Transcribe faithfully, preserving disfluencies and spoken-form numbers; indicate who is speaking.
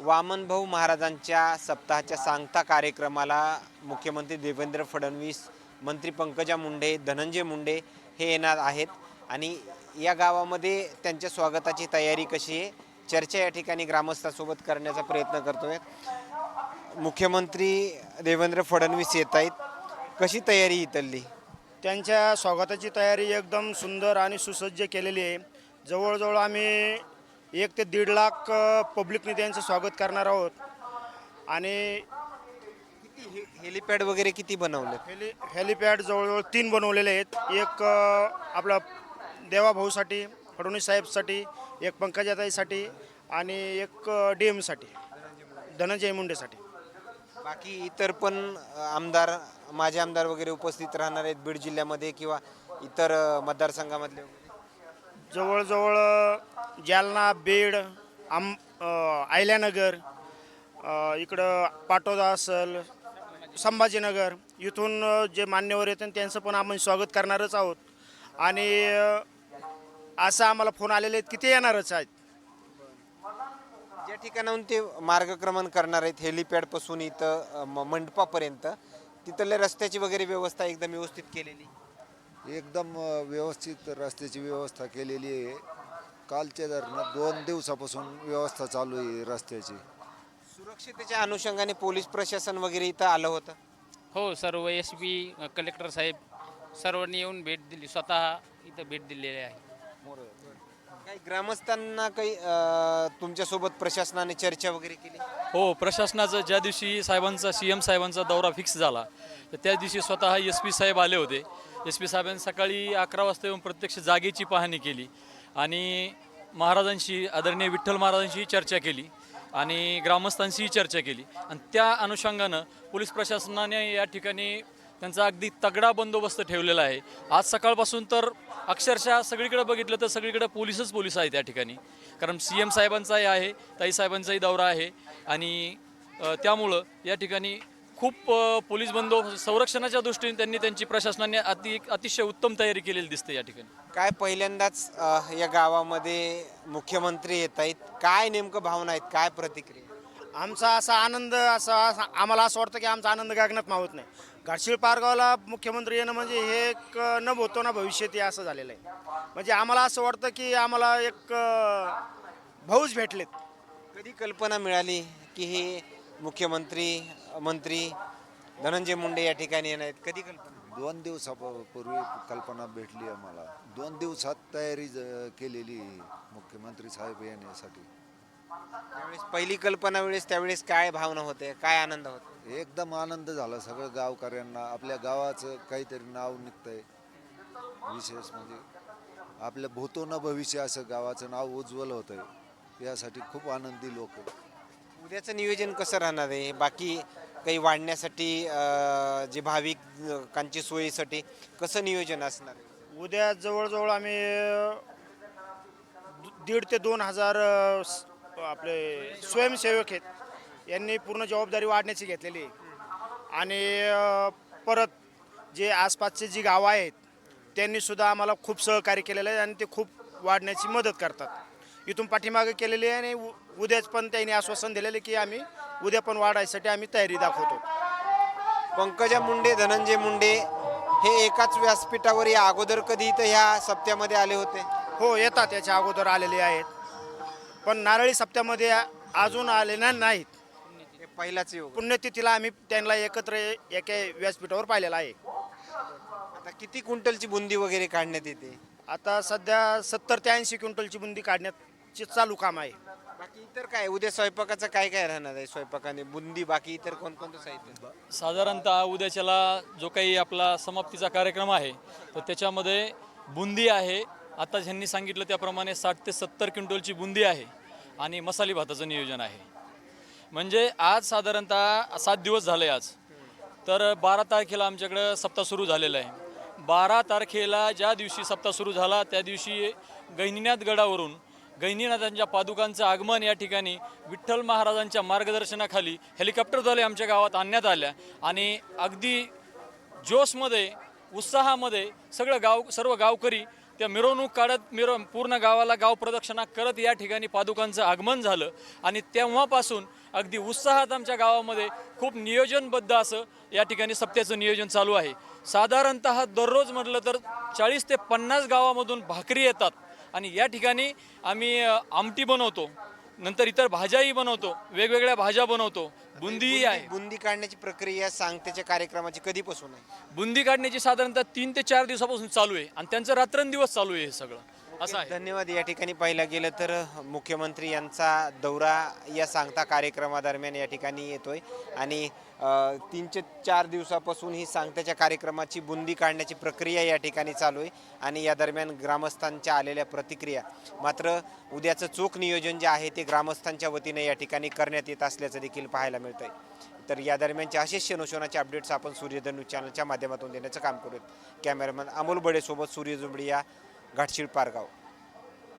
Speaker 1: वामनभाऊ महाराजांच्या सप्ताहाच्या सांगता कार्यक्रमाला मुख्यमंत्री देवेंद्र फडणवीस, मंत्री पंकजा मुंडे, धनंजय मुंडे हे येणार आहेत आणि या गावामध्ये त्यांच्या स्वागताची तयारी कशी आहे चर्चा या ठिकाणी ग्रामस्थांसोबत करण्याचा प्रयत्न करतोय। मुख्यमंत्री देवेंद्र फडणवीस येत आहेत, कशी तयारी इथली?
Speaker 2: त्यांच्या स्वागताची तयारी एकदम सुंदर आणि सुसज्ज केलेली आहे। जवळजवळ आम्ही एक ते दीड लाख पब्लिकने त्यांचं स्वागत करणार आहोत आणि
Speaker 1: किती हेलिपॅड वगैरे किती बनवले?
Speaker 2: हेली हेलिपॅड जवळजवळ तीन बनवलेले आहेत। एक आपला देवाभाऊसाठी, फडणवीस साहेबसाठी, एक पंकजाताईसाठी आणि एक डी एमसाठी, धनंजय मुंडेसाठी।
Speaker 1: बाकी इतर पण आमदार, माजी आमदार वगैरे उपस्थित राहणार आहेत बीड जिल्ह्यामध्ये किंवा इतर मतदारसंघामधले?
Speaker 2: जवळजवळ जालना, बीड, आम आयल्यानगर, इकडं पाटोदा असेल, संभाजीनगर, इथून जे मान्यवर येतात त्यांचं पण आम्ही स्वागत करणारच आहोत आणि असं आम्हाला फोन आलेले आहेत की ते येणारच आहेत।
Speaker 1: ज्या ठिकाणाहून ते मार्गक्रमण करणार आहेत हेलिपॅडपासून इथं मंडपापर्यंत, तिथल्या रस्त्याची वगैरे व्यवस्था एकदम व्यवस्थित केलेली?
Speaker 3: एकदम व्यवस्थित रस्त्याची व्यवस्था केलेली आहे। कालच्या दरम्यान दोन दिवसापासून व्यवस्था चालू आहे रस्त्याची।
Speaker 1: सुरक्षितेच्या अनुषंगाने पोलीस प्रशासन वगैरे इथं आलं होतं?
Speaker 4: हो, सर्व एस पी, कलेक्टर साहेब सर्वांनी येऊन भेट दिली, स्वतः इथं भेट दिलेली आहे।
Speaker 1: काही ग्रामस्थांना काही तुमच्यासोबत प्रशासनाने चर्चा वगैरे केली?
Speaker 5: हो, प्रशासनाचं ज्या दिवशी साहेबांचा सी एम साहेबांचा दौरा फिक्स झाला तर त्या दिवशी स्वतः एस पी साहेब आले होते। एस पी साहेबांनी सकाळी अकरा वाजता येऊन प्रत्यक्ष जागेची पाहणी केली आणि महाराजांशी, आदरणीय विठ्ठल महाराजांशी चर्चा केली आणि ग्रामस्थांशीही चर्चा केली आणि त्या अनुषंगानं पोलीस प्रशासनाने या ठिकाणी त्यांचा अगदी तगडा बंदोबस्त ठेवलेला आहे। आज सकाळपासून तर अक्षरशः सगळीकडे बघितलं तर सगळीकडे पोलीसच पोलीस आहेत या ठिकाणी, कारण सी एम साहेबांचाही आहे, ताईसाहेबांचाही दौरा आहे आणि त्यामुळं या ठिकाणी खूप पोलीस बंदोबस्त, संरक्षणाच्या दृष्टीने त्यांनी त्यांची प्रशासनाने अति अतिशय उत्तम तयारी केलेली दिसते या ठिकाणी।
Speaker 1: काय पहिल्यांदाच या गावामध्ये मुख्यमंत्री येत आहेत, काय नेमकं भावना आहेत, काय प्रतिक्रिया?
Speaker 2: आमचा असा आनंद, असा आम्हाला असं वाटतं की आमचा आनंद गगनात मावत नाही। घाटशीळ पारगावला मुख्यमंत्री येणं म्हणजे हे एक न भूतो ना भविष्यती असं झालेलं आहे। म्हणजे आम्हाला असं वाटतं की आम्हाला एक भाऊच भेटलेत।
Speaker 1: कधी कल्पना मिळाली की हे मुख्यमंत्री मंत्री धनंजय मुंडे या ठिकाणी येणार आहेत? कधी कल्पना?
Speaker 3: दोन दिवसापूर्वी कल्पना भेटली आम्हाला। दोन दिवसात तयारी केलेली मुख्यमंत्री साहेब येण्यासाठी।
Speaker 1: त्यावेळेस पहिली कल्पना वेळेस त्यावेळेस काय भावना होते, काय आनंद होता?
Speaker 3: एकदम आनंद झाला सगळं गावकऱ्यांना। आपल्या गावाचं काहीतरी नाव निघतंय, विशेष म्हणजे आपल्या भूतो न भविष्य असं गावाचं नाव उज्ज्वल होतंय, यासाठी खूप आनंदी लोक।
Speaker 1: उद्याचं नियोजन कसं राहणार आहे? बाकी काही वाढण्यासाठी जे भाविकांची सोयीसाठी कसं नियोजन असणार आहे?
Speaker 2: उद्या जवळजवळ आम्ही दीड ते दोन हजार आपले स्वयंसेवक आहेत, यांनी पूर्ण जबाबदारी वाढण्याची घेतलेली आहे आणि परत जे आसपासचे जी गावं आहेत त्यांनी सुद्धा आम्हाला खूप सहकार्य केलेलं आहे आणि ते खूप वाढण्याची मदत करतात। इथून पाठीमागे केलेली आहे आणि उद्याच पण त्यांनी आश्वासन दिलेले की आम्ही उद्या पण वाढायसाठी आम्ही तयारी दाखवतो।
Speaker 1: पंकजा मुंडे, धनंजय मुंडे हे एकाच व्यासपीठावर या अगोदर कधी इथं ह्या सप्त्यामध्ये आले होते?
Speaker 2: हो, येतात, याच्या अगोदर आलेले आहेत, पण नारळी सप्त्यामध्ये अजून आलेल्या नाहीत।
Speaker 1: पहिलाच योग,
Speaker 2: पुण्यतिथीला आम्ही त्यांना एकत्र एका व्यासपीठावर पाहिलेला आहे।
Speaker 1: आता किती क्विंटलची बुंदी वगैरे काढण्यात येते?
Speaker 2: आता सध्या सत्तर ते ऐंशी क्विंटलची बुंदी काढण्याचे चालू काम आहे।
Speaker 1: बाकी इतर काय उद्या स्वयंपाकाचं काय काय राहणार आहे? स्वयंपाकाने बुंदी, बाकी इतर कोणकोणतं साहित्य?
Speaker 5: साधारणतः उद्याच्याला जो काही आपला समाप्तीचा कार्यक्रम आहे तर त्याच्यामध्ये बुंदी आहे, आता ज्यांनी सांगितलं त्याप्रमाणे साठ ते सत्तर क्विंटलची बुंदी आहे आणि मसाली भाताचं नियोजन आहे। म्हणजे आज साधारणतः सात दिवस झाले आज, तर बारा तारखेला आमच्याकडं सप्ताह सुरू झालेला आहे। बारा तारखेला ज्या दिवशी सप्ताह सुरू झाला त्या दिवशी गहिनीनाथ गडावरून गहिनीनाथांच्या पादुकांचं आगमन या ठिकाणी विठ्ठल महाराजांच्या मार्गदर्शनाखाली हेलिकॉप्टरद्वारे आमच्या गावात आणण्यात आल्या आणि अगदी जोशमध्ये, उत्साहामध्ये सगळं गाव, सर्व गावकरी त्या मिरवणूक काढत मिरव पूर्ण गावाला गाव प्रदक्षिणा करत या ठिकाणी पादुकांचं आगमन झालं आणि तेव्हापासून अगदी उत्साहात आमच्या गावामध्ये खूप नियोजनबद्ध असं या ठिकाणी सप्त्याचं नियोजन चालू आहे. साधारणतः दररोज म्हटलं तर चाळीस ते पन्नास गावामधून भाकरी येतात आणि या ठिकाणी आम्ही अ, आमटी बनवतो, नंतर इतर भाज्याही बनवतो, वेगवेगळ्या भाज्या बनवतो, बुंदीही आहे.
Speaker 1: बुंदी काढण्याची प्रक्रिया सांगतेच्या कार्यक्रमाची कधीपासून आहे?
Speaker 5: बुंदी काढण्याची साधारणतः तीन ते चार दिवसापासून चालू आहे आणि त्यांचं रात्रंदिवस चालू आहे हे सगळं असं आहे.
Speaker 1: धन्यवाद. या ठिकाणी पाहिलं गेलं तर मुख्यमंत्री यांचा दौरा या सांगता कार्यक्रमादरम्यान या ठिकाणी येतोय आणि अ, तीन ते चार दिवसापासून ही सांगताच्या कार्यक्रमाची बुंदी काढण्याची प्रक्रिया या ठिकाणी चालू आहे आणि या दरम्यान ग्रामस्थांच्या आलेल्या प्रतिक्रिया. मात्र उद्याचं चोख नियोजन जे आहे ते ग्रामस्थांच्या वतीने या ठिकाणी करण्यात येत असल्याचं देखील पाहायला मिळतंय. तर या दरम्यानचे असेच क्षणोक्षणाचे अपडेट्स आपण सूर्योदय न्यूज चॅनलच्या माध्यमातून देण्याचं काम करूयात. कॅमेरामॅन अमोल बडेसोबत सूर्य जुंबडिया, घाटशीळ पारगाव.